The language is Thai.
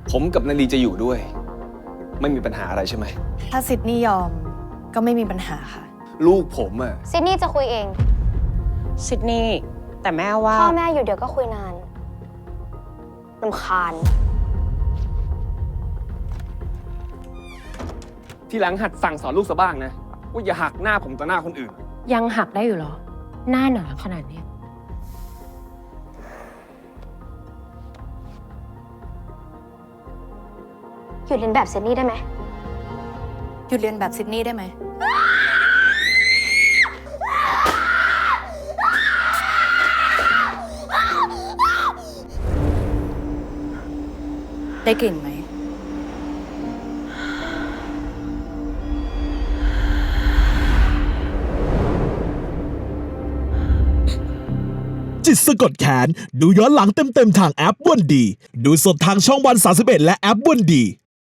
ผมกับนาลีจะอยู่ด้วย ไม่มีปัญหาอะไรใช่ไหมถ้าซิดนีย์ยอมก็ไม่มีปัญหาค่ะลูกผมอะซิดนีย์จะคุยเองซิดนีย์แต่แม่ว่าพ่อแม่อยู่เดี๋ยวก็คุยนานรำคาญทีหลังหัดสั่งสอนลูกซะบ้างนะ ว่าอย่าหักหน้าผมต่อหน้าคนอื่นยังหักได้อยู่เหรอ หน้าหนาขนาดเนี้ยหยุดเรียนแบบซิดนีย์ได้ไหมหยุดเรียนแบบซิดนีย์ได้ไหม ได้กลิ่นไหมจิตสะกดแขนดูย้อนหลังเต็มๆทางแอปวันดี ดูสดทางช่องวัน31และแอปวันดี